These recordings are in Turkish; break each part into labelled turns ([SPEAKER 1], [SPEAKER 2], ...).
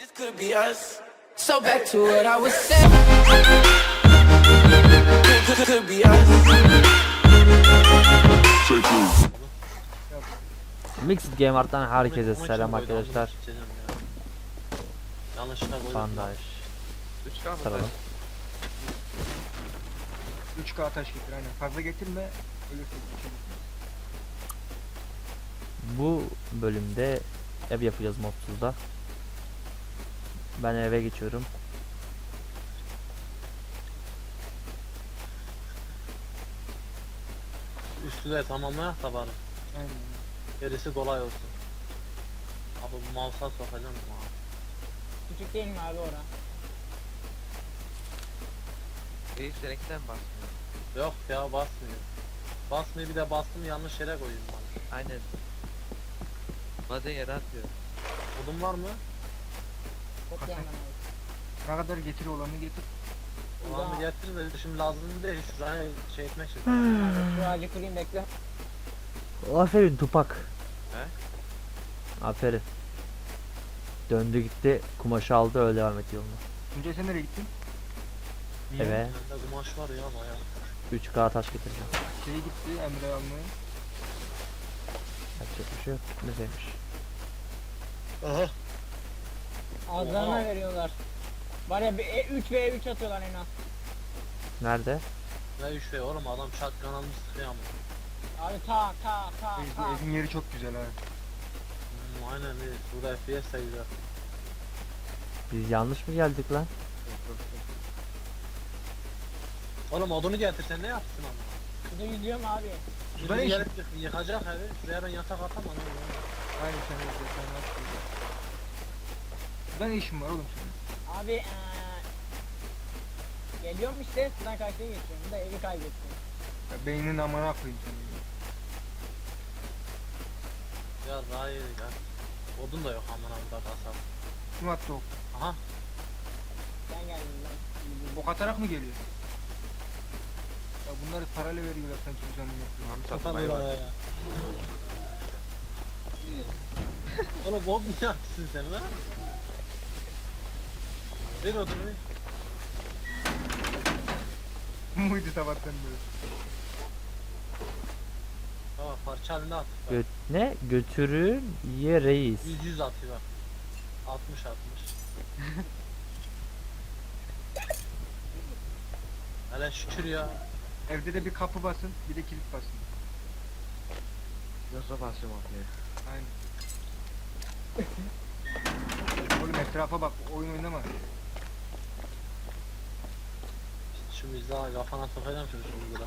[SPEAKER 1] Could be us. So back to what I was saying. Could be us.
[SPEAKER 2] Mixed Game Art'tan herkese
[SPEAKER 3] Ama
[SPEAKER 2] selam
[SPEAKER 3] kim koydu?
[SPEAKER 2] arkadaşlar.
[SPEAKER 3] Onu içeceğim ya. Yanlışlıkla koydum.
[SPEAKER 2] Bandaj.
[SPEAKER 4] 3K mı?
[SPEAKER 2] Saralım.
[SPEAKER 5] 3K taş getir aynen. Fazla getirme. Ölürsün.
[SPEAKER 2] Bu bölümde ev yapacağız modsuzda. Ben eve geçiyorum.
[SPEAKER 3] Üstü de tamamlayak da bari.
[SPEAKER 5] Aynen.
[SPEAKER 3] Gerisi kolay olsun. Abi bu mouse'a sokacağım mı?
[SPEAKER 6] Küçük değil mi abi ora?
[SPEAKER 4] Reis seninkinden basmıyor.
[SPEAKER 3] Yok ya basmıyor. Basmıyor, bir de bastım yanlış yere koyayım bana.
[SPEAKER 4] Aynen. Bazen yere atıyor.
[SPEAKER 3] Odun var mı?
[SPEAKER 6] Çok
[SPEAKER 5] Hasan.
[SPEAKER 6] yandan abi.
[SPEAKER 5] Ne kadar getir olanı getir.
[SPEAKER 3] Ulan getir de şimdi lazım değil. Şuraya şey etmek için.
[SPEAKER 6] Şu ağacı kırayım bekle.
[SPEAKER 2] Aferin Tupak.
[SPEAKER 4] He?
[SPEAKER 2] Aferin. Döndü gitti, kumaşı aldı, öyle devam ediyor yoluna.
[SPEAKER 5] Tuncay sen nereye gittin?
[SPEAKER 2] Eve
[SPEAKER 3] Bende kumaş var ya bayağı.
[SPEAKER 2] 3K taş getireceğim.
[SPEAKER 5] Şeye gitti Emre almaya.
[SPEAKER 2] Yapacak bir şey yok. Güzelmiş.
[SPEAKER 3] Aha.
[SPEAKER 6] Ağızlarına veriyorlar. Var ya 3 ve 3 atıyorlar en az.
[SPEAKER 2] Nerede?
[SPEAKER 3] Ne 3 oğlum, adam shotgun almış sıkıyor ama.
[SPEAKER 6] Abi ta.
[SPEAKER 5] Evin yeri çok güzel ha.
[SPEAKER 3] Aynen iyi. Burada FPS de güzel.
[SPEAKER 2] Biz yanlış mı geldik lan?
[SPEAKER 3] Oğlum odunu getir, sen ne yapsın ama?
[SPEAKER 6] Şurada yüzüyorum abi.
[SPEAKER 5] Şurada ne
[SPEAKER 3] Şimdi
[SPEAKER 5] işin?
[SPEAKER 3] gelip yıkacak evi. Şuraya ben yatak atamam oğlum.
[SPEAKER 5] Aynen sen evde sen ne yapıyorsun? Burada ne işin var oğlum senin?
[SPEAKER 6] Abi geliyorum işte sudan karşıya geçiyorum. Da evi kaybettim.
[SPEAKER 5] Ya beyninin amına koyayım seni.
[SPEAKER 3] Ya daha iyi ya. Odun da yok aman burada kasap.
[SPEAKER 5] Kim attı o?
[SPEAKER 3] Aha.
[SPEAKER 6] Sen geldin lan.
[SPEAKER 5] Ok atarak mı geliyor? Ya bunları parayla veriyorlar sanki düzenli yapıyor.
[SPEAKER 3] Kapat oraya ya. Oğlum bot mu yaptın sen lan? Ver odunu.
[SPEAKER 5] Muydu sabahtan beri?
[SPEAKER 3] Tamam parça halinde at.
[SPEAKER 2] Ne? Götürün ye reis.
[SPEAKER 3] 100 atıyor bak. 60. Hele şükür ya.
[SPEAKER 5] Evde de bir kapı basın, bir de kilit basın.
[SPEAKER 4] Nasıl basıyorum ortaya?
[SPEAKER 5] Aynen. Oğlum etrafa bak, oyun oynama.
[SPEAKER 3] Şimdi biz daha kafana sokacağım şimdi burada.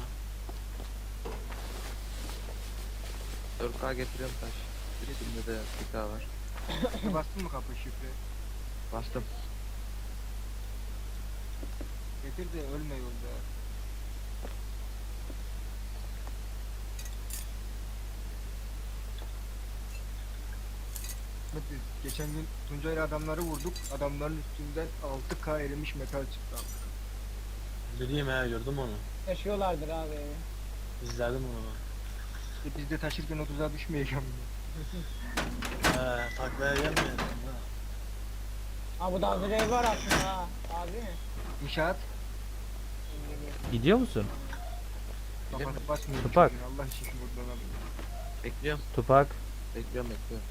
[SPEAKER 4] 4K getiriyorum taş. Üstünde de 1K var.
[SPEAKER 5] Bastın mı kapı şifre?
[SPEAKER 4] Bastım.
[SPEAKER 5] Getir de ölme yolda. Geçen gün Tuncay'la adamları vurduk. Adamların üstünden 6K erimiş metal çıktı.
[SPEAKER 3] Bileyim he, gördüm onu.
[SPEAKER 6] Taşıyorlardır abi evi.
[SPEAKER 3] İzledim onu.
[SPEAKER 5] Biz de taşırken 30'a düşmeyeceğim.
[SPEAKER 3] Taklaya gelmeyelim.
[SPEAKER 6] Ha bu da hazır ev var aslında ha. Abi mi?
[SPEAKER 5] İnşaat.
[SPEAKER 2] Gidiyor musun?
[SPEAKER 5] Kapatıp basmıyorum.
[SPEAKER 2] Tupak.
[SPEAKER 5] çocuğun, Allah için buradan alayım.
[SPEAKER 4] Bekliyorum.
[SPEAKER 2] Tupak.
[SPEAKER 4] Bekliyorum.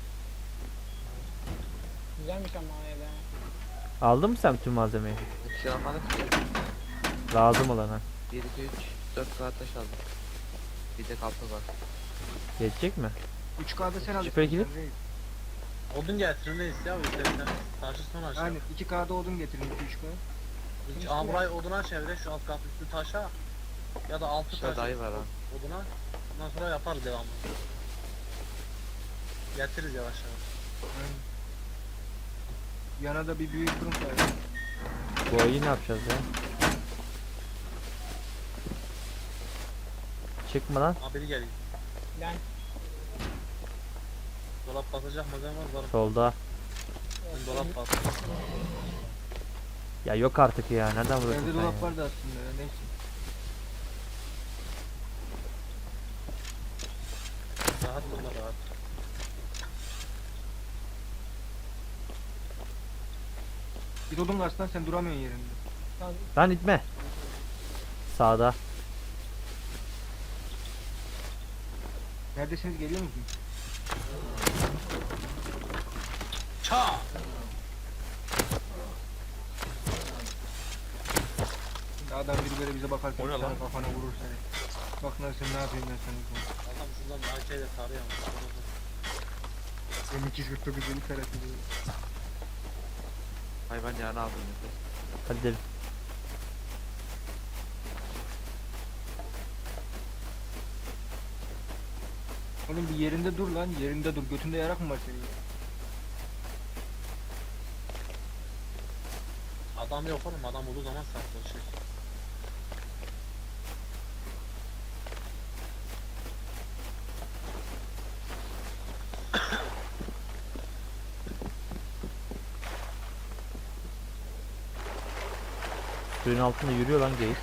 [SPEAKER 6] Güzelmiş ama ev ha.
[SPEAKER 2] Aldın mı sen tüm malzemeyi?
[SPEAKER 4] Bir şey almadık ki.
[SPEAKER 2] Lazım olana.
[SPEAKER 4] 1, 2, 3, 4K taş aldım. Bir de kapı var.
[SPEAKER 2] Geçecek mi?
[SPEAKER 5] 3K'da sen alırsın.
[SPEAKER 2] Şifre kilit.
[SPEAKER 5] sen reis.
[SPEAKER 3] Odun getirin neyiz ya biz de taşı sonra aşağı.
[SPEAKER 5] Aynen 2K'da odun getirin 2-3K.
[SPEAKER 3] Aa burayı oduna çevire, şu alt kat üstü taşa. Ya da altı
[SPEAKER 4] Şurada
[SPEAKER 3] taşı
[SPEAKER 4] dayı var ha.
[SPEAKER 3] oduna. Ondan sonra yaparız devamlı. Getiririz yavaş yavaş.
[SPEAKER 5] Aynen. Yana da bir büyük fırın koyalım.
[SPEAKER 2] Bu ayı ne yapacağız ya? Çıkma lan.
[SPEAKER 3] Aa biri geliyor.
[SPEAKER 6] Ben
[SPEAKER 3] Dolap basacak malzeme var.
[SPEAKER 2] Solda.
[SPEAKER 3] Dolap bas.
[SPEAKER 2] Ya yok artık ya. Nereden vuruyorsun
[SPEAKER 5] Evde
[SPEAKER 2] sen
[SPEAKER 5] dolap
[SPEAKER 2] ya?
[SPEAKER 5] vardı aslında ya neyse.
[SPEAKER 3] Rahat olma rahat.
[SPEAKER 5] Git odun karsana, sen duramıyorsun yerinde.
[SPEAKER 6] Tamam.
[SPEAKER 2] Lan itme. Sağda.
[SPEAKER 5] Neredesiniz, geliyor musunuz?
[SPEAKER 3] Ça.
[SPEAKER 5] Şimdi adam biri böyle bize bakarken
[SPEAKER 3] O ne
[SPEAKER 5] senin
[SPEAKER 3] lan?
[SPEAKER 5] kafana vurur seni. Bak lan sen ne yapayım ben sana.
[SPEAKER 3] Adam şuradan bir AK'yle tarıyor ama.
[SPEAKER 5] Benim 249 beni tarafı diyor.
[SPEAKER 4] Hayvan yağını aldım nefes.
[SPEAKER 2] Hadi gidelim.
[SPEAKER 5] Oğlum bir yerinde dur lan, yerinde dur. Götünde yarak mı var senin?
[SPEAKER 3] Adam yok oğlum, adam olduğu zaman saklaşır.
[SPEAKER 2] Suyun altında yürüyor lan geyik.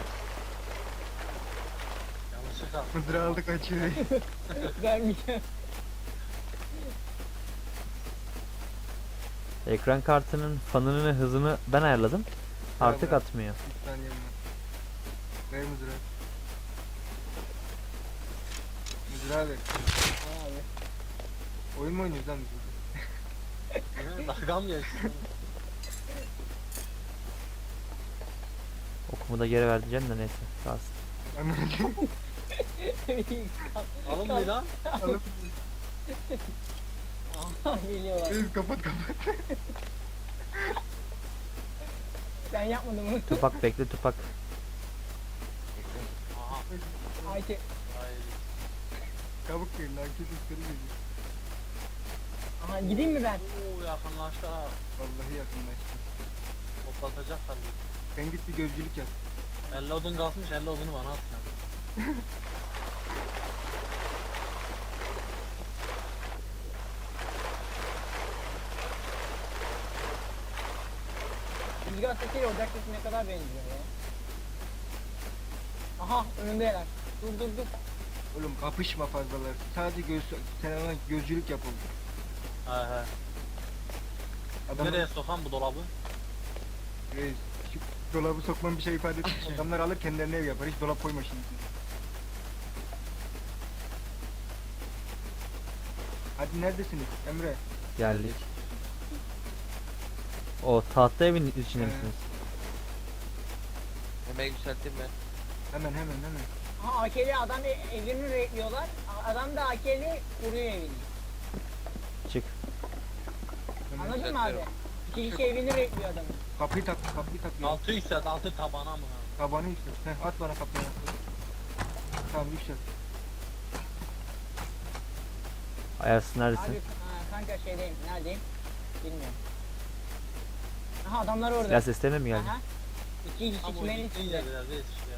[SPEAKER 3] Yanlışlıkla.
[SPEAKER 5] Mızrağı aldı kaçıyor.
[SPEAKER 6] Vermeyeceğim.
[SPEAKER 2] Ekran kartının fanının hızını ben ayarladım. Artık
[SPEAKER 5] bırak.
[SPEAKER 2] atmıyor.
[SPEAKER 5] Bir saniye mi? Ver mızrağı. Mızrağı ver.
[SPEAKER 6] Abi.
[SPEAKER 5] Oyun mu oynuyoruz lan biz?
[SPEAKER 3] Dalgam geçti.
[SPEAKER 2] Okumu da geri vereceğim de neyse. Kalsın.
[SPEAKER 3] Alın bir lan.
[SPEAKER 5] Alıp
[SPEAKER 6] Aha geliyorlar.
[SPEAKER 5] Reis kapat kapat.
[SPEAKER 6] Sen yapmadın mı?
[SPEAKER 2] Tupak bekle Tupak.
[SPEAKER 3] Aha.
[SPEAKER 6] Ayşe.
[SPEAKER 3] Ay.
[SPEAKER 5] Kabuk verin lan, kesin seni geliyor.
[SPEAKER 6] Aha gideyim mi ben?
[SPEAKER 3] Oo, yakınlaştı ha.
[SPEAKER 5] Vallahi yakınlaştı.
[SPEAKER 3] Toplatacak tabii.
[SPEAKER 5] Sen git bir gözcülük yap.
[SPEAKER 3] 50 odun kalmış, 50 odunu bana at sen.
[SPEAKER 6] Rüzgar sesiyle ocak sesi ne kadar benziyor ya. Aha önündeler. Dur dur dur.
[SPEAKER 5] Oğlum kapışma fazlalar. Sadece sen ona gözcülük yap oğlum.
[SPEAKER 3] He he.
[SPEAKER 5] Adam
[SPEAKER 3] Nereye sokan bu dolabı?
[SPEAKER 5] Reis, şu dolabı sokmam bir şey ifade etmiyor. Adamlar alır kendilerine ev yapar. Hiç dolap koyma şimdi. Hadi neredesiniz Emre?
[SPEAKER 2] Geldik. O tahta evin içinde
[SPEAKER 5] He.
[SPEAKER 2] misiniz?
[SPEAKER 4] Hemen yükselteyim ben.
[SPEAKER 5] Hemen.
[SPEAKER 6] Aha AK'li adam evini bekliyorlar. Adam da AK'li vuruyor evini.
[SPEAKER 2] Çık.
[SPEAKER 5] Hemen.
[SPEAKER 6] Anladın mı abi? İki kişi evini bekliyor adamın.
[SPEAKER 5] Kapıyı tak.
[SPEAKER 3] Altı yükselt, altı tabana mı?
[SPEAKER 5] Tabanı yükselt. Heh, at bana kapıyı. Tamam yükselt.
[SPEAKER 2] Ayarsın neredesin?
[SPEAKER 6] Abi kanka şeydeyim. Neredeyim? Bilmiyorum. Aha adamlar orada.
[SPEAKER 2] Silah seslerine mi geldin?
[SPEAKER 6] Aha. İki kişi
[SPEAKER 3] Ama o
[SPEAKER 6] çimenin
[SPEAKER 3] gittiğin
[SPEAKER 6] içinde.
[SPEAKER 3] yerler reis işte ya.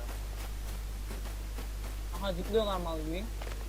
[SPEAKER 6] Aha zıplıyorlar mal gibi.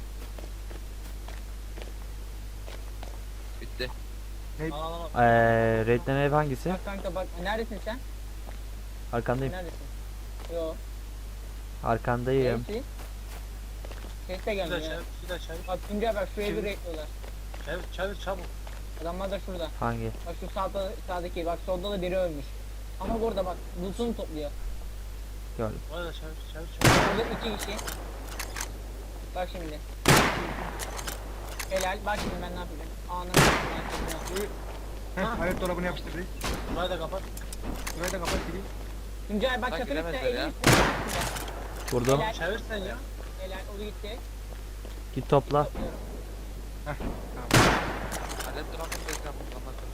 [SPEAKER 4] Bitti.
[SPEAKER 3] Al al al.
[SPEAKER 2] Redden ev hangisi?
[SPEAKER 6] Bak kanka bak neredesin sen?
[SPEAKER 2] Arkandayım.
[SPEAKER 6] Neredesin? Yo.
[SPEAKER 2] Arkandayım.
[SPEAKER 6] Neresi? Ses de
[SPEAKER 3] Bir de
[SPEAKER 6] gelmiyor.
[SPEAKER 3] çevir, bir de çevir.
[SPEAKER 6] Bak Tuncay bak şu evi
[SPEAKER 5] Çevir.
[SPEAKER 6] bekliyorlar.
[SPEAKER 3] Çevir çabuk.
[SPEAKER 6] Adamlar da şurada.
[SPEAKER 2] Hangi?
[SPEAKER 6] Bak şu sağdaki bak solda da biri ölmüş. Ama burada bak loot'unu topluyor.
[SPEAKER 2] Gördüm.
[SPEAKER 3] Oraya da çevir.
[SPEAKER 6] Burada iki kişi. Bak şimdi. Helal. Bak şimdi ben ne yapacağım. Anam.
[SPEAKER 5] Heh, alet dolabını yapıştır reis.
[SPEAKER 3] Burayı da kapat.
[SPEAKER 5] Burayı da kapat gireyim.
[SPEAKER 6] Tuncay bak
[SPEAKER 4] Lan
[SPEAKER 6] çatının üstüne
[SPEAKER 4] giremezler
[SPEAKER 6] elin
[SPEAKER 4] ya.
[SPEAKER 6] üstüne.
[SPEAKER 2] Vurdum.
[SPEAKER 6] Helal.
[SPEAKER 3] Çevir sen ya.
[SPEAKER 6] Helal o gitti.
[SPEAKER 2] Git topla.
[SPEAKER 6] Topluyorum.
[SPEAKER 5] Heh, tamam.
[SPEAKER 4] Alet duramadım da ekran bulamadım.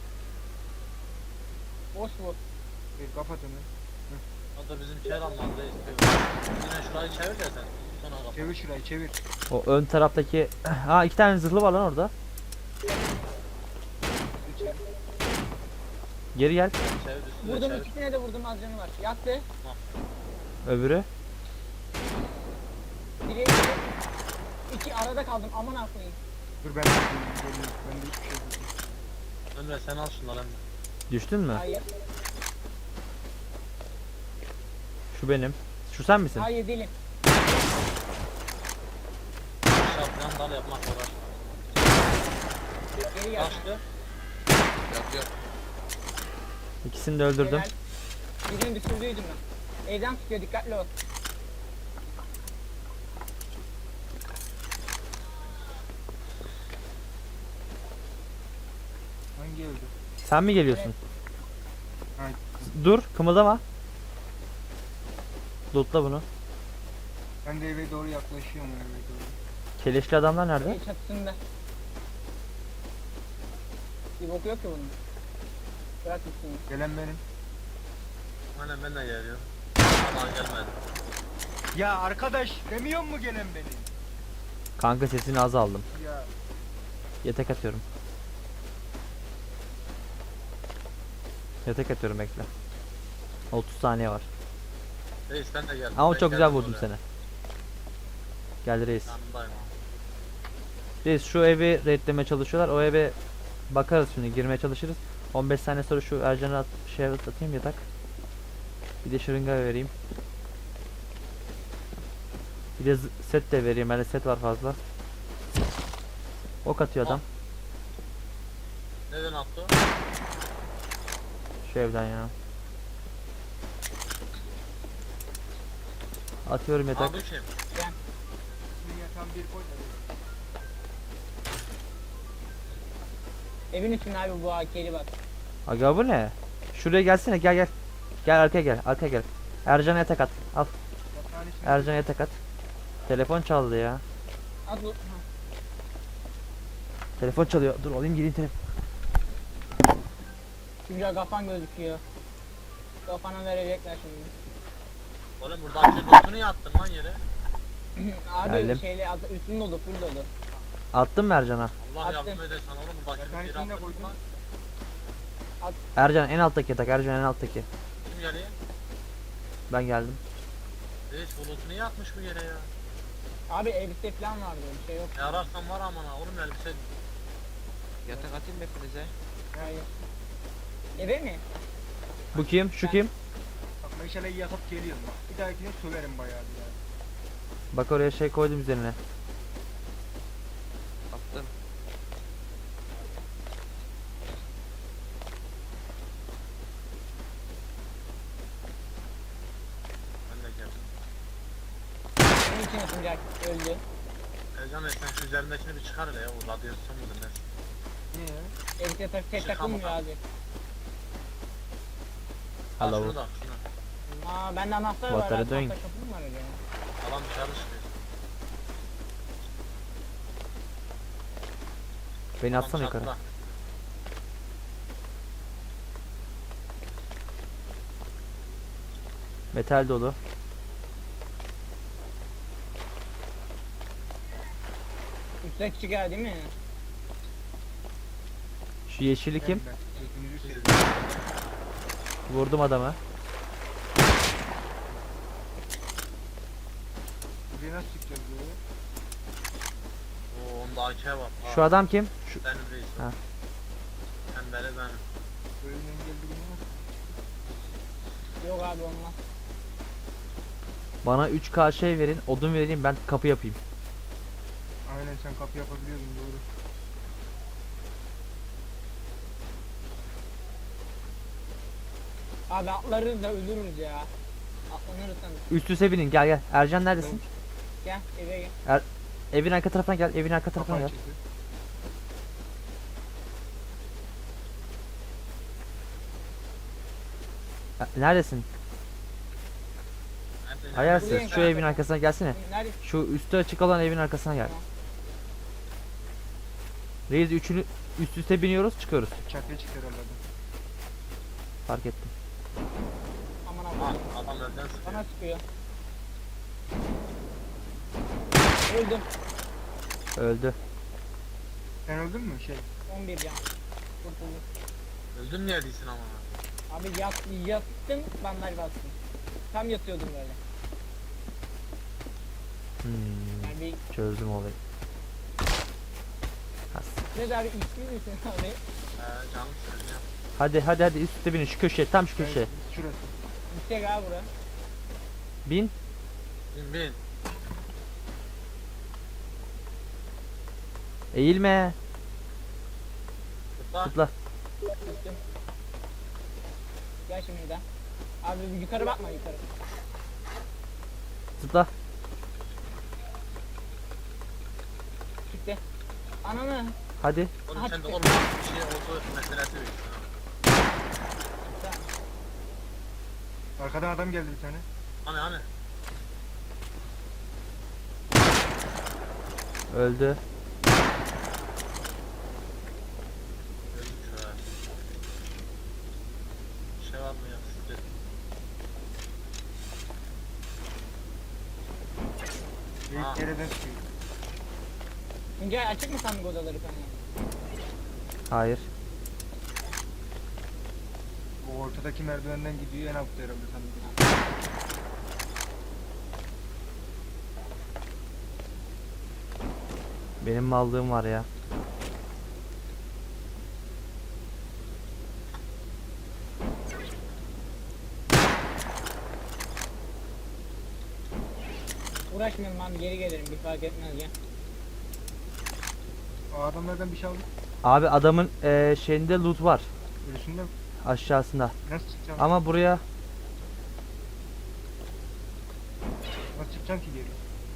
[SPEAKER 6] Boş bu.
[SPEAKER 5] Reis kapat onu.
[SPEAKER 3] O da bizimkiler almadı reis. Yine şurayı çevir de sen. Sonra kapat.
[SPEAKER 5] Çevir şurayı çevir.
[SPEAKER 2] O ön taraftaki... Ha 2 tane zırhlı var lan orada.
[SPEAKER 5] Çevir.
[SPEAKER 2] Geri gel.
[SPEAKER 3] Çevir üstüne
[SPEAKER 6] Vurdum
[SPEAKER 3] çevir.
[SPEAKER 6] ikisine de vurdum az canı var. Yattı.
[SPEAKER 2] Öbürü.
[SPEAKER 6] Biri iki arada kaldım aman koyayım.
[SPEAKER 5] Dur ben de geliyorum. Ben de hiçbir şey yok.
[SPEAKER 3] Emre sen al şunları Emre.
[SPEAKER 2] Düştün mü?
[SPEAKER 6] Hayır.
[SPEAKER 2] Şu benim. Şu sen misin?
[SPEAKER 6] Hayır değilim.
[SPEAKER 3] Şapkan dal yapmak uğraşma.
[SPEAKER 6] Geri gel.
[SPEAKER 3] Kaçtı.
[SPEAKER 4] Yatıyor.
[SPEAKER 2] İkisini de öldürdüm.
[SPEAKER 6] Helal. Birini düşürdüydüm ben. Evden tutuyor, dikkatli ol.
[SPEAKER 5] Hangi evde?
[SPEAKER 2] Sen mi geliyorsun?
[SPEAKER 5] Evet.
[SPEAKER 2] Dur, kımıldama. Lootla bunu.
[SPEAKER 5] Ben de eve doğru yaklaşıyorum eve doğru.
[SPEAKER 2] Keleşli adamlar nerede?
[SPEAKER 6] Ev çatısında. Bir boku yok ki bunun. Bırak gitsin.
[SPEAKER 5] Gelen benim.
[SPEAKER 3] Aynen ben de geliyorum. Aman gelmedi.
[SPEAKER 5] Ya arkadaş demiyor mu gelen benim?
[SPEAKER 2] Kanka sesini az aldım.
[SPEAKER 5] Ya
[SPEAKER 2] Yatak atıyorum. Yatak atıyorum bekle. 30 saniye var.
[SPEAKER 3] Reis ben de geldim.
[SPEAKER 2] Ama
[SPEAKER 3] Ben
[SPEAKER 2] çok güzel
[SPEAKER 3] geldim
[SPEAKER 2] vurdum
[SPEAKER 3] oraya.
[SPEAKER 2] seni. Gel reis.
[SPEAKER 3] Yanındayım abi.
[SPEAKER 2] Reis şu evi raidlemeye çalışıyorlar. O eve bakarız şimdi, girmeye çalışırız. 15 saniye sonra şu Ercan'a şey atayım yatak. Bir de şırınga vereyim. Bir de set de vereyim. Bende set var fazla. Ok atıyor adam.
[SPEAKER 3] Neden attı?
[SPEAKER 2] Şu evden ya. Atıyorum yatak.
[SPEAKER 3] Aa bu kim?
[SPEAKER 5] dünya tam bir koy da.
[SPEAKER 6] Evin içinde abi bu AK'li bak.
[SPEAKER 2] Aga bu ne? Şuraya gelsene, gel gel. Gel arkaya gel, arkaya gel. Ercan'a yatak at. Al.
[SPEAKER 5] Yatağın içine
[SPEAKER 2] Ercan'a yatak at. Telefon çaldı ya.
[SPEAKER 6] At bu.
[SPEAKER 2] Telefon çalıyor. Dur alayım gireyim telefon.
[SPEAKER 6] Güzel kafan gözüküyor. Kafana verecekler şimdi.
[SPEAKER 3] Oğlum buradaki botunu yattın lan yere.
[SPEAKER 6] Abi
[SPEAKER 2] Geldim.
[SPEAKER 6] şeyle üstün dolu, full dolu.
[SPEAKER 2] Attım mı Ercan'a?
[SPEAKER 3] Allah
[SPEAKER 6] Attım.
[SPEAKER 3] yardım edersen oğlum buradaki
[SPEAKER 5] Yatağın
[SPEAKER 3] bir
[SPEAKER 5] içine
[SPEAKER 3] attın
[SPEAKER 5] koydum.
[SPEAKER 3] lan.
[SPEAKER 2] Ercan en alttaki yatak. Ercan en alttaki.
[SPEAKER 3] Kim geliyor?
[SPEAKER 2] Ben geldim.
[SPEAKER 3] Reis bulutunu yatmış bu yere ya.
[SPEAKER 6] Abi elbise falan vardı, bir şey yok.
[SPEAKER 3] Ne ararsan var aman ha. Oğlum elbise.
[SPEAKER 4] Yatak atayım mı hepinize?
[SPEAKER 6] Hayır. Eve mi?
[SPEAKER 2] Bu kim? Şu kim?
[SPEAKER 5] bak meşaleyi yakıp geliyorum bak. Bir dahakine söverim bayağı bir yani.
[SPEAKER 2] Bak oraya şey koydum üzerine.
[SPEAKER 4] Attım.
[SPEAKER 3] Ben de geldim.
[SPEAKER 6] Senin için ısınacak, öldü.
[SPEAKER 3] Ercan Bey sen şu üzerindekini bir çıkar hele ya. O radyasyon mudur ne?
[SPEAKER 5] Niye ya?
[SPEAKER 6] Elbise tek
[SPEAKER 3] Çıkama
[SPEAKER 6] takılmıyor
[SPEAKER 3] bak.
[SPEAKER 6] abi.
[SPEAKER 3] Al
[SPEAKER 2] Hello.
[SPEAKER 3] şunu da şunu.
[SPEAKER 6] Aa bende anahtar
[SPEAKER 2] What
[SPEAKER 6] var.
[SPEAKER 2] are you
[SPEAKER 6] Abi,
[SPEAKER 2] doing?
[SPEAKER 6] tahta kapı mı var acaba?
[SPEAKER 3] Adam dışarı çıkıyor.
[SPEAKER 2] Beni
[SPEAKER 3] Adam
[SPEAKER 2] atsana yukarı.
[SPEAKER 3] çatıda.
[SPEAKER 2] Metal dolu.
[SPEAKER 6] Üstte küçük yer değil mi?
[SPEAKER 2] Şu yeşili kim?
[SPEAKER 5] Ben. Hepinizi seviyorum.
[SPEAKER 2] Vurdum adamı.
[SPEAKER 5] Buraya nasıl çıkacağız böyle?
[SPEAKER 3] Oo onda AK var.
[SPEAKER 2] Şu adam kim? Şu
[SPEAKER 3] Benim reis.
[SPEAKER 2] Ha.
[SPEAKER 3] Pembeli benim.
[SPEAKER 5] Böyle engel durumu var.
[SPEAKER 6] Yok abi olmaz.
[SPEAKER 2] bana 3K şey verin, odun vereyim, ben kapı yapayım.
[SPEAKER 5] Aynen sen kapı yapabiliyordun doğru.
[SPEAKER 6] Abi atlarız da ölürüz ya. Atlanırız sanırım.
[SPEAKER 2] Üst üste binin, gel gel. Ercan neredesin?
[SPEAKER 6] Gel eve gel.
[SPEAKER 2] Evin arka tarafına gel, evin arka tarafına
[SPEAKER 5] Kapı
[SPEAKER 2] gel.
[SPEAKER 5] açıldı.
[SPEAKER 2] Neredesin?
[SPEAKER 3] Nerede?
[SPEAKER 2] Ayarsız.
[SPEAKER 6] Buradayım
[SPEAKER 2] Şu
[SPEAKER 6] kanka.
[SPEAKER 2] evin arkasına gelsene.
[SPEAKER 6] Nerede?
[SPEAKER 2] Şu üstü açık olan evin arkasına gel.
[SPEAKER 6] Tamam.
[SPEAKER 2] Reis üçünü üst üste biniyoruz, çıkıyoruz.
[SPEAKER 5] Çatıya çıktı herhalde.
[SPEAKER 2] Fark ettim.
[SPEAKER 6] Aman
[SPEAKER 3] Ha,
[SPEAKER 6] abi.
[SPEAKER 3] adam önden sıkıyor.
[SPEAKER 6] Bana sıkıyor. Öldüm.
[SPEAKER 2] Öldü.
[SPEAKER 5] Sen öldün mü şey?
[SPEAKER 6] 11 can. Kurtuldum.
[SPEAKER 3] Öldün niye değilsin ama?
[SPEAKER 6] Abi yattım bandaj bastım. Tam yatıyordum böyle. Yani bir
[SPEAKER 2] Çözdüm olayı. Has.
[SPEAKER 6] ne abi içli misin abi?
[SPEAKER 3] Canım söyleyeceğim.
[SPEAKER 2] Hadi üst üste binin, şu köşeye, tam şu köşeye.
[SPEAKER 5] Şurası.
[SPEAKER 6] Yüksek abi bura.
[SPEAKER 2] Bin.
[SPEAKER 3] Bin bin.
[SPEAKER 2] Eğilme.
[SPEAKER 3] Tıkla.
[SPEAKER 2] Zıpla.
[SPEAKER 6] Düştüm. Gel şimdi bir daha. Abi bir yukarı bakma yukarı.
[SPEAKER 2] Zıpla.
[SPEAKER 6] Gitti. Ananı.
[SPEAKER 2] Hadi.
[SPEAKER 3] Onun
[SPEAKER 6] Aha,
[SPEAKER 3] sende
[SPEAKER 6] çıktı.
[SPEAKER 3] olmayan bir şey oldu meselesi yok.
[SPEAKER 5] Arkadan adam geldi bir tane.
[SPEAKER 3] Hani.
[SPEAKER 2] Öldü.
[SPEAKER 3] Öldük şu an. Şey var mı ya? Şurada.
[SPEAKER 5] İlk yerden çıkıyor.
[SPEAKER 6] Tuncay açık mı sandık odaları falan?
[SPEAKER 2] Hayır.
[SPEAKER 5] O ortadaki merdivenden gidiyor en altta herhalde sanırım.
[SPEAKER 2] Benim mallığım var ya.
[SPEAKER 6] Uğraşmayalım abi geri gelirim bir fark etmez ya.
[SPEAKER 5] O adamlardan bir şey aldık.
[SPEAKER 2] Abi adamın şeyinde loot var.
[SPEAKER 5] Ölüsünden
[SPEAKER 2] Aşağısında.
[SPEAKER 5] nasıl çıkacağım?
[SPEAKER 2] Ama buraya
[SPEAKER 5] Nasıl çıkacağım ki geri?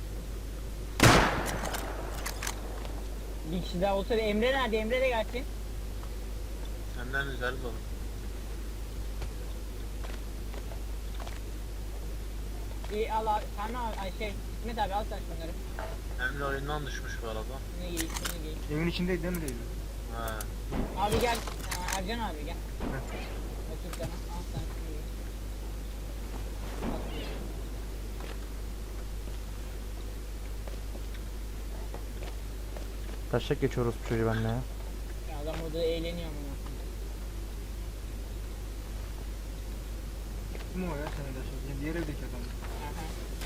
[SPEAKER 6] Bir kişi daha olsa da Emre nerede? Emre de gelsin.
[SPEAKER 3] Senden güzel olur.
[SPEAKER 6] İyi al abi. Sami abi ay şey İsmet abi al sen şunları.
[SPEAKER 3] Emre oyundan düşmüş bu arada.
[SPEAKER 6] Ne giy şunu giy.
[SPEAKER 5] Evin içindeydi değil mi değil mi?
[SPEAKER 3] He.
[SPEAKER 6] Abi gel. Ercan abi gel. Otur sana. Al sen şunu giy. Al şunu giy.
[SPEAKER 2] taşak geçiyoruz bu çocuğu benimle ya.
[SPEAKER 6] Ya adam orada eğleniyor ama.
[SPEAKER 5] Kim o ya sen de şey? Diğer evdeki adam.
[SPEAKER 6] Aha.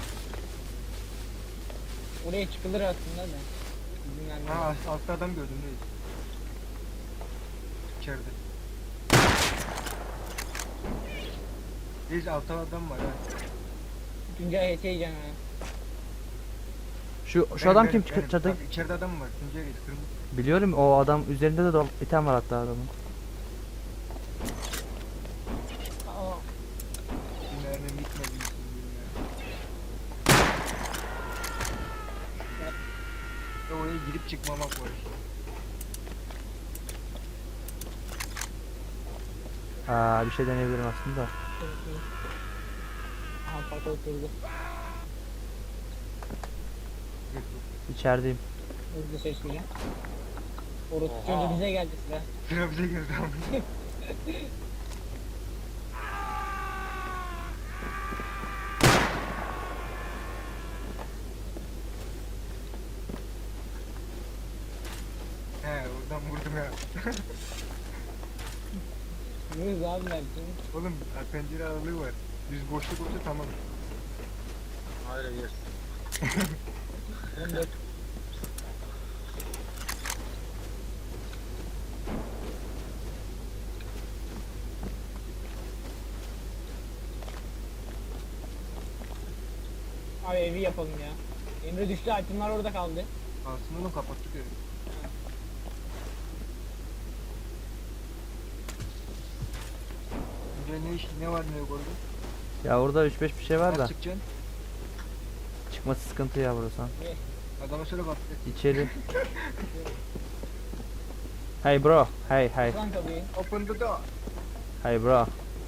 [SPEAKER 6] Oraya çıkılır aslında da. İzin vermiyor.
[SPEAKER 5] Ha altta adam gördüm değil. İçeride. Reis altta adam var ha.
[SPEAKER 6] Tuncay HT yiyeceğim ha.
[SPEAKER 2] Şu adam kim çatıda?
[SPEAKER 5] Bak, içeride adam var. Tuncay Reis kırmızı.
[SPEAKER 2] Biliyorum o adam üzerinde de item var hatta adamın.
[SPEAKER 6] Aa,
[SPEAKER 5] Bir mermim gitmedi. Ya oraya girip çıkmamak var işte.
[SPEAKER 2] Bir şey deneyebilirim aslında.
[SPEAKER 6] aha parka oturdu.
[SPEAKER 2] İçerideyim.
[SPEAKER 6] Hızlı seçmeyeceğim. Orası
[SPEAKER 3] Oha.
[SPEAKER 6] çocuğu bize geldi sıra.
[SPEAKER 5] Sıra bize girdi ama. He oradan vurdum ya.
[SPEAKER 6] Yürüz abi belki.
[SPEAKER 5] Oğlum pencere aralığı var. Düz boşluk olsa tamam.
[SPEAKER 3] Hayır yersin.
[SPEAKER 6] 14. Abi evi yapalım ya. Emre düştü, itemler orada kaldı.
[SPEAKER 5] Aslında onu kapattık ya. Tuncay ne var ne yok orada?
[SPEAKER 2] Ya orada 3-5 bir şey var da.
[SPEAKER 5] Nasıl çıkacaksın?
[SPEAKER 2] Çıkması sıkıntı ya burası.
[SPEAKER 5] Adama söyle bak.
[SPEAKER 2] İçeri. Hey bro. Hey.
[SPEAKER 6] Lan kapıyı.
[SPEAKER 5] Open the door.
[SPEAKER 2] Hey bro.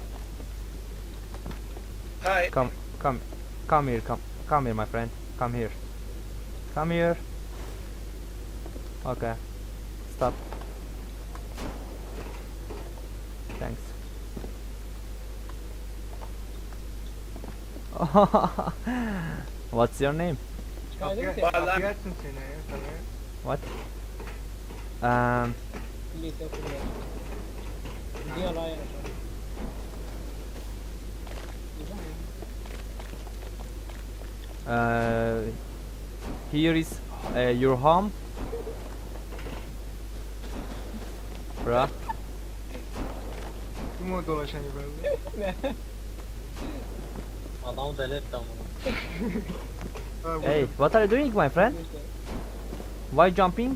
[SPEAKER 1] Hi.
[SPEAKER 2] Come here my friend. Come here. Okay. Stop. Thanks. What's your name?
[SPEAKER 6] Çıkardı mı
[SPEAKER 5] Kapıyı
[SPEAKER 6] seni?
[SPEAKER 5] kapıyı açsın seni ya sana.
[SPEAKER 2] What?
[SPEAKER 6] Lise okulda. Gidiyor lan ya. Güzel ya.
[SPEAKER 2] Here is your home. Bro.
[SPEAKER 5] Kim o dolaşan yukarıda?
[SPEAKER 3] Adamı deli etti ama.
[SPEAKER 5] Ha,
[SPEAKER 2] Hey, what are you doing my friend? Why jumping?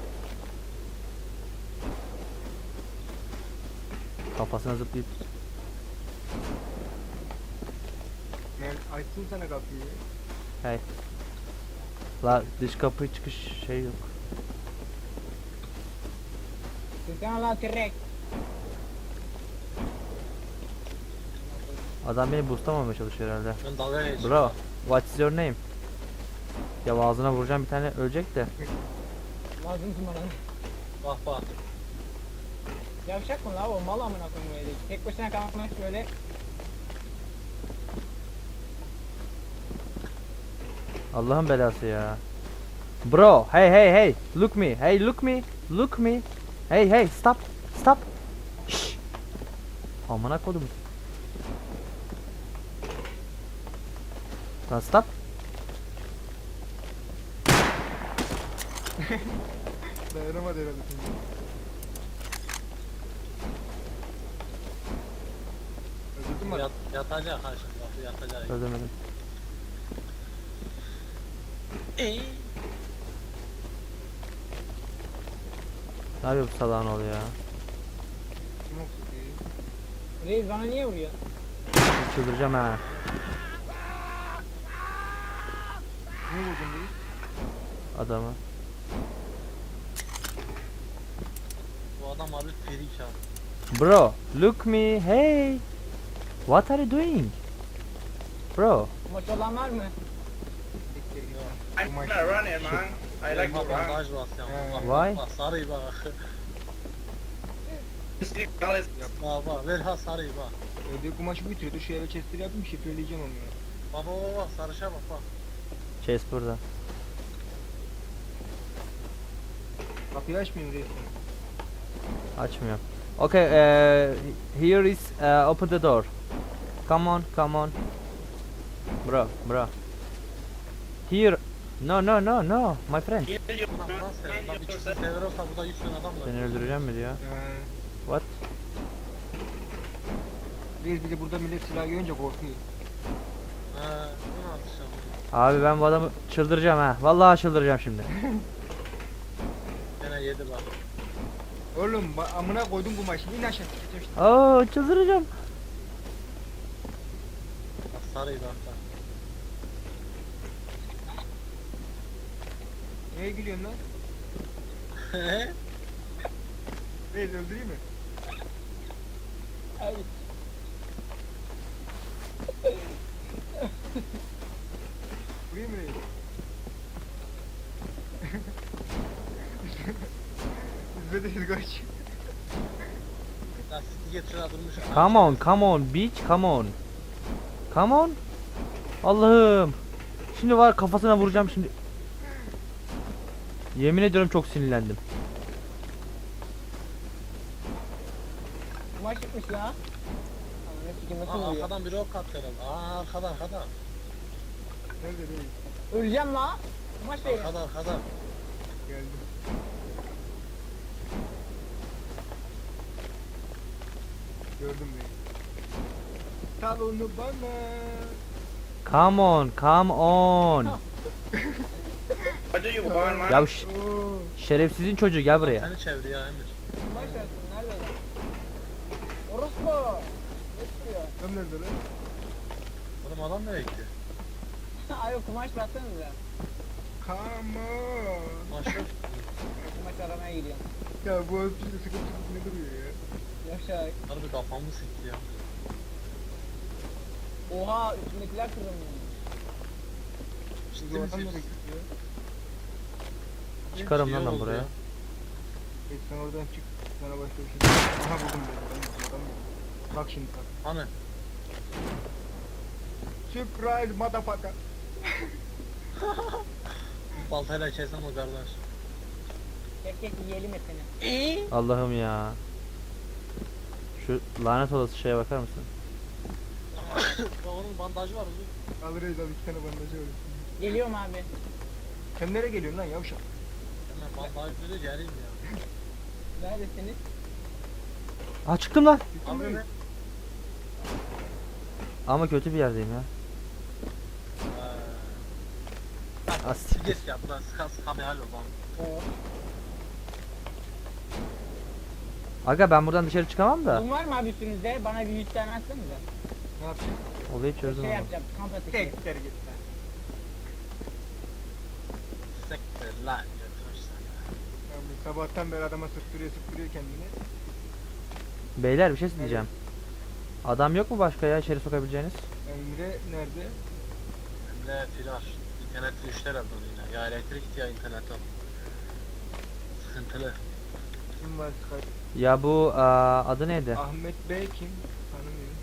[SPEAKER 2] Kafasına zıplayıp
[SPEAKER 5] Mel açsın sana kapıyı.
[SPEAKER 2] Hey. La dış kapı çıkış şey yok.
[SPEAKER 6] Türkan Allah tirek.
[SPEAKER 2] Adam beni boostlamamaya çalışıyor herhalde.
[SPEAKER 3] Ben dalga geçiyorum.
[SPEAKER 2] Bro, what's your name? Ya ağzına vuracağım bir tane ölecek de.
[SPEAKER 6] Lazım bana.
[SPEAKER 3] Bak bak.
[SPEAKER 6] Yavşak mı la o mal amına koyayım böyle. Tek başına kalmış böyle.
[SPEAKER 2] Allah'ın belası ya. Bro, hey hey hey, look me, hey look me, look me. Hey hey, stop, stop. Şşş. Amına kodum. Lan stop.
[SPEAKER 5] Dayanamadı herhalde şimdi. Öldürdün mü?
[SPEAKER 3] Yatacak ha şimdi. Bak yatacak.
[SPEAKER 2] Öldürmedim. Ne yapıyor bu salağın oğlu ya?
[SPEAKER 5] Kim okudu?
[SPEAKER 6] Reis bana niye vuruyor?
[SPEAKER 2] Çıldıracağım ha.
[SPEAKER 5] Niye vurdun değil?
[SPEAKER 2] Adamı.
[SPEAKER 3] Bu adam abi ferik abi.
[SPEAKER 2] Bro, look me, hey. What are you doing? Bro,
[SPEAKER 6] Maç olan var mı?
[SPEAKER 5] Bu maç.
[SPEAKER 3] Elma bandaj bas ya. Bak,
[SPEAKER 2] Why?
[SPEAKER 3] Bak sarıyı bak. Bak bak ver ha sarıyı bak.
[SPEAKER 5] Evde kumaşı bitiriyordu. Şu eve chester yapayım şifreleyeceğim onu ya.
[SPEAKER 3] Bak bak bak sarışa bak bak.
[SPEAKER 2] Chase burada.
[SPEAKER 5] Kapıyı açmayayım reis.
[SPEAKER 2] Açmıyor. Okay, here is open the door. Come on, come on. Bro, bro. Here. No, no, no, no, my friend.
[SPEAKER 3] Buna Fransız sever. Lan bir çıksın sever olsa burada 100 tane adam var.
[SPEAKER 2] Seni öldüreceğim mi diyor? What?
[SPEAKER 5] Reis bir de burada millet silah görünce korkuyor.
[SPEAKER 3] Bunu atacağım.
[SPEAKER 2] Abi ben bu adamı çıldıracağım ha. Vallahi çıldıracağım şimdi.
[SPEAKER 3] Gene yedi bak.
[SPEAKER 5] Oğlum amına koydum kumaşı. İn aşağı sikeceğim işte.
[SPEAKER 2] Oo, çıldıracağım.
[SPEAKER 3] Bak sarıyı bak bak.
[SPEAKER 5] Neye gülüyorsun lan? Reis öldüreyim mi?
[SPEAKER 6] Ay.
[SPEAKER 5] Vurayım mı reis? İzmede kaç.
[SPEAKER 3] Lan siti getir ha durmuş.
[SPEAKER 2] Come on, come on, bitch, come on. Come on. Allah'ım. Şimdi var kafasına vuracağım şimdi. Yemin ediyorum çok sinirlendim.
[SPEAKER 6] Maç çıkmış la. Ananı sikim nasıl
[SPEAKER 3] Aa,
[SPEAKER 6] vuruyor?
[SPEAKER 3] arkadan biri ok attı herhalde. Aa arkada arkada.
[SPEAKER 5] Nerede reis?
[SPEAKER 6] Öleceğim la. Maç değil.
[SPEAKER 3] Arkada arkada.
[SPEAKER 5] Geldim. Gördüm reis. Sal onu bana.
[SPEAKER 2] Come on, come on. Ya
[SPEAKER 5] Oo.
[SPEAKER 2] şerefsizin çocuğu gel buraya.
[SPEAKER 3] Seni çevir ya Emir.
[SPEAKER 6] Maç versin. Nerede lan? Orospu. Ne çıkıyor?
[SPEAKER 5] Tam nerede lan?
[SPEAKER 3] Oğlum adam nereye gitti?
[SPEAKER 6] Ay o kumaş versanıza.
[SPEAKER 5] Come on.
[SPEAKER 3] Maşallah.
[SPEAKER 6] Kumaş aramaya gidiyorum.
[SPEAKER 5] Ya bu öpücüğü sıkıntı ne duruyor ya?
[SPEAKER 6] Yavşak.
[SPEAKER 3] Harbi kafamı sikti ya.
[SPEAKER 6] Oha üstündekiler kırılmış.
[SPEAKER 3] Ciddi
[SPEAKER 5] Bu adam nereye
[SPEAKER 3] misin?
[SPEAKER 5] gitti ya?
[SPEAKER 2] Çıkarım lan
[SPEAKER 3] Şey
[SPEAKER 2] ben
[SPEAKER 3] oldu
[SPEAKER 2] buraya.
[SPEAKER 3] ya.
[SPEAKER 5] Sen oradan çık. Sana başka bir şey. Aha buldum ben. Adam bak şimdi bak.
[SPEAKER 3] Hani?
[SPEAKER 5] Surprise motherfucker.
[SPEAKER 3] Baltayla kesem o kardeş.
[SPEAKER 6] Tek yiyelim hepsini.
[SPEAKER 2] Allah'ım ya. Şu lanet olası şeye bakar mısın?
[SPEAKER 3] Bak onun bandajı var uzun.
[SPEAKER 5] Al reis al 2 tane bandajı var.
[SPEAKER 6] Geliyorum abi.
[SPEAKER 5] Sen nereye geliyorsun lan yavşak?
[SPEAKER 3] Hemen bandaj böyle geleyim ya.
[SPEAKER 6] Neredesiniz?
[SPEAKER 2] Aa çıktım lan.
[SPEAKER 3] Abi ben.
[SPEAKER 2] Ama kötü bir yerdeyim ya. As.
[SPEAKER 3] Geç ya buradan sıkan sıkan bir hal ol bana.
[SPEAKER 6] Oo.
[SPEAKER 2] Aga ben buradan dışarı çıkamam da.
[SPEAKER 6] Bunun var mı abi üstünüzde? Bana bir 100 tane atsanıza.
[SPEAKER 5] Ne yapacağım?
[SPEAKER 2] Olayı çözdüm
[SPEAKER 6] Şey
[SPEAKER 2] ama.
[SPEAKER 6] yapacağım. Kamp ateşi.
[SPEAKER 5] Tekler git lan.
[SPEAKER 3] Sektir lan götürürsen.
[SPEAKER 5] Yani sabahtan beri adama sıktırıyor kendini.
[SPEAKER 2] Beyler bir şey diyeceğim. Adam yok mu başka ya içeri sokabileceğiniz?
[SPEAKER 5] Emre nerede?
[SPEAKER 3] Hem de flash. İnternet düşler aldı yine. Ya elektrik ya internet al. Sıkıntılı.
[SPEAKER 5] Kim var Skype?
[SPEAKER 2] Ya bu adı neydi?
[SPEAKER 5] Ahmet Bey kim? Tanımıyorum.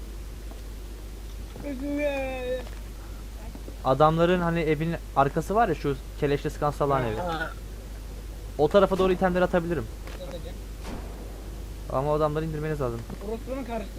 [SPEAKER 2] Adamların hani evin arkası var ya şu keleşle sıkan salağın evi.
[SPEAKER 3] Ha,
[SPEAKER 2] O tarafa doğru itemleri atabilirim.
[SPEAKER 6] Satacağım.
[SPEAKER 2] Ama o adamları indirmeniz lazım.
[SPEAKER 6] Orospu'nun karısı.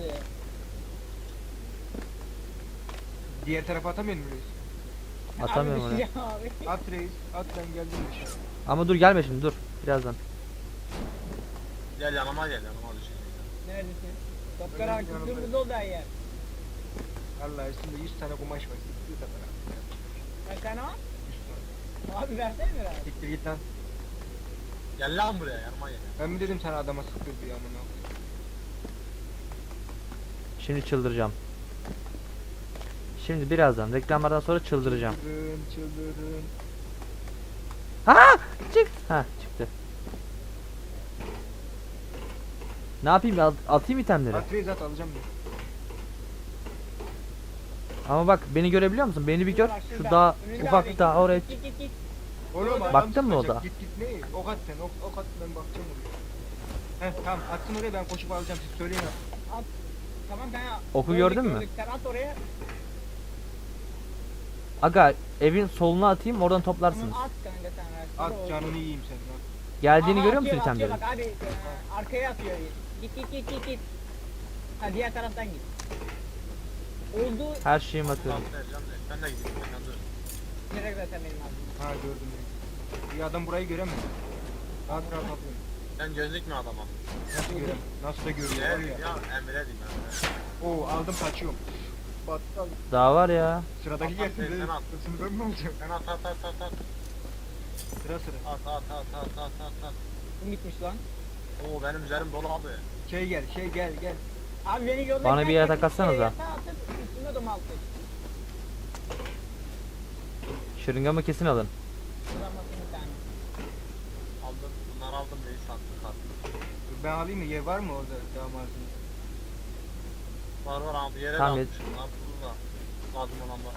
[SPEAKER 5] Diğer tarafa atamıyor muyuz?
[SPEAKER 2] Atamıyorum
[SPEAKER 6] Abi
[SPEAKER 2] onu.
[SPEAKER 6] düşeceğim abi.
[SPEAKER 5] At reis. At ben geldim dışarı.
[SPEAKER 2] Ama dur gelme şimdi dur. Birazdan.
[SPEAKER 3] gel yanıma düşün.
[SPEAKER 6] Neredesin? Topkara
[SPEAKER 5] Önüm yanımda.
[SPEAKER 6] kıpkırmızı oldu her yer.
[SPEAKER 5] Allah üstünde 100 tane kumaş var. Siktir de bana.
[SPEAKER 6] Kaç tane var?
[SPEAKER 5] 100 tane.
[SPEAKER 6] Abi versene biraz.
[SPEAKER 5] Siktir git lan.
[SPEAKER 3] Gel lan buraya yanıma gel.
[SPEAKER 5] Ben mi dedim sana adama sıktır diye amına.
[SPEAKER 2] Şimdi çıldıracağım. Şimdi birazdan reklamlardan sonra çıldıracağım.
[SPEAKER 5] Çıldırın.
[SPEAKER 2] Ha! Çık. Ha çıktı. Ne yapayım? Atayım itemleri.
[SPEAKER 5] At reis at alacağım ben.
[SPEAKER 2] Ama bak beni görebiliyor musun? Beni bir gör.
[SPEAKER 6] Bak
[SPEAKER 2] Şu
[SPEAKER 6] şurada,
[SPEAKER 2] dağ
[SPEAKER 6] önünde
[SPEAKER 2] ufak
[SPEAKER 6] abi.
[SPEAKER 2] dağ oraya.
[SPEAKER 6] Git git git.
[SPEAKER 5] Oğlum adam
[SPEAKER 2] Baktın mı
[SPEAKER 5] sıkacak.
[SPEAKER 2] o da?
[SPEAKER 5] Git ne? Ok at sen. Ok at ben bakacağım oraya. Heh tamam atsın oraya ben koşup alacağım siz söyleyin at.
[SPEAKER 6] At. Tamam kanka.
[SPEAKER 2] Oku
[SPEAKER 6] Gördük,
[SPEAKER 2] gördün mü?
[SPEAKER 6] gördük. Sen at oraya.
[SPEAKER 2] Aga evin soluna atayım oradan toplarsınız.
[SPEAKER 6] Tamam at kanka sen ver.
[SPEAKER 5] At canını yiyeyim senin at.
[SPEAKER 2] Geldiğini
[SPEAKER 6] Aha,
[SPEAKER 2] görüyor musun
[SPEAKER 6] atıyor,
[SPEAKER 2] itemlerin?
[SPEAKER 6] atıyor, bak abi arkaya atıyor. Git git git git git. Ha diğer taraftan git. Oldu.
[SPEAKER 2] Her şeyimi atıyorum.
[SPEAKER 3] Tamam vereceğim de. Ben de gideyim. Sen dur.
[SPEAKER 6] Direkt zaten benim ağzım.
[SPEAKER 5] Ha gördüm reis. Bir adam burayı göremez. Rahat rahat atıyor.
[SPEAKER 3] Sen gözlük mü adama?
[SPEAKER 5] Nasıl görem? Nasıl da görüyor
[SPEAKER 3] Ne
[SPEAKER 5] var
[SPEAKER 3] diyeyim
[SPEAKER 5] ya.
[SPEAKER 3] ya? Emre diyeyim Emre.
[SPEAKER 5] Oo aldım kaçıyorum. Battal.
[SPEAKER 2] Daha var ya.
[SPEAKER 5] Sıradaki
[SPEAKER 3] At,
[SPEAKER 5] gelsin
[SPEAKER 3] at,
[SPEAKER 5] reis.
[SPEAKER 3] sen at.
[SPEAKER 5] Hırsını ben mi alacağım?
[SPEAKER 3] Sen at at at at at.
[SPEAKER 5] Sıra sıra.
[SPEAKER 3] At at at at at at at.
[SPEAKER 6] Kim gitmiş lan?
[SPEAKER 3] Oo benim üzerim dolu abi.
[SPEAKER 5] Şey gel gel.
[SPEAKER 6] Abi beni yolla.
[SPEAKER 2] Bana bir yatak atsanıza.
[SPEAKER 6] Yatağa atıp üstüme domaltır.
[SPEAKER 2] Şırıngamı kesin alın.
[SPEAKER 6] Kullanmasın bir tane.
[SPEAKER 3] Aldım. Bunları aldım neyi sattım sattım.
[SPEAKER 5] Ben alayım mı? Yer var mı orada damadın?
[SPEAKER 3] Var var abi yere
[SPEAKER 2] Tamam,
[SPEAKER 3] de atmışım lan burada. Lazım olan var.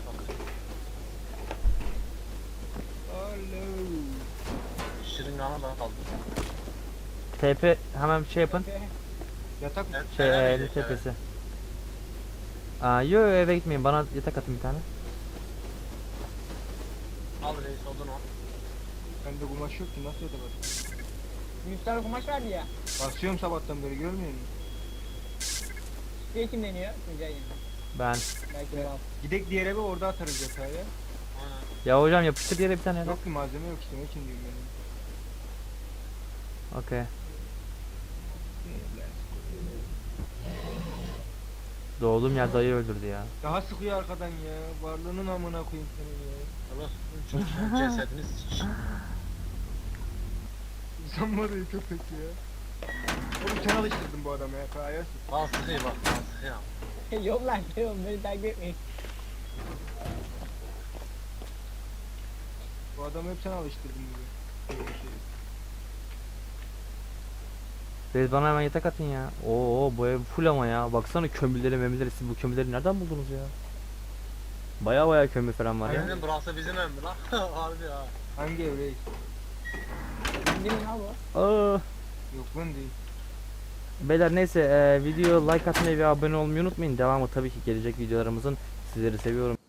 [SPEAKER 5] Alo.
[SPEAKER 3] Şırınganı da aldım.
[SPEAKER 2] TP hemen bir şey yapın.
[SPEAKER 5] Yatak mı?
[SPEAKER 2] Şey
[SPEAKER 3] Eve
[SPEAKER 2] elin
[SPEAKER 3] gidecek, evet.
[SPEAKER 2] tepesi. Yo eve gitmeyin bana yatak atın bir tane.
[SPEAKER 3] Al reis odun o.
[SPEAKER 5] Bende kumaş yok ki nasıl yatak atayım?
[SPEAKER 6] 100 tane kumaş vardı ya.
[SPEAKER 5] Basıyorum sabahtan beri görmüyor musun?
[SPEAKER 6] Suya kim deniyor? Tuncay yani.
[SPEAKER 2] Ben.
[SPEAKER 6] Belki biraz.
[SPEAKER 5] Gidek diğer eve orada atarız yatağı ya.
[SPEAKER 3] Aynen.
[SPEAKER 2] Ya hocam yapıştır yere bir tane yatak.
[SPEAKER 5] Yok ki malzeme yok işte ne için diyorum ben.
[SPEAKER 2] Okey. Doğduğum yer dayı öldürdü ya.
[SPEAKER 5] Daha sıkıyor arkadan ya. Varlığının amına koyayım seni ya.
[SPEAKER 3] Orospu'nun çocuğun cesedini siç.
[SPEAKER 5] İnsan var ya köpek ya. Oğlum sen alıştırdın bu adamı ya. Kayasın.
[SPEAKER 3] Al sıkıyı bak al sıkıyı.
[SPEAKER 6] Yok lan yok beni takip etmeyin.
[SPEAKER 5] Bu adamı hep sen alıştırdın gibi. Böyle şey.
[SPEAKER 2] Reis bana hemen yatak atın ya. Oo bu ev full ama ya. Baksana kömürleri memürleri siz bu kömürleri nereden buldunuz ya? Baya kömür falan var ya.
[SPEAKER 3] Aynen burası bizim ev mi lan? Harbi ha.
[SPEAKER 5] Hangi ev reis?
[SPEAKER 6] Değil mi ya bu?
[SPEAKER 2] Aa.
[SPEAKER 5] Yok lan değil.
[SPEAKER 2] Beyler neyse video like atmayı ve abone olmayı unutmayın. Devamı tabii ki gelecek videolarımızın. Sizleri seviyorum.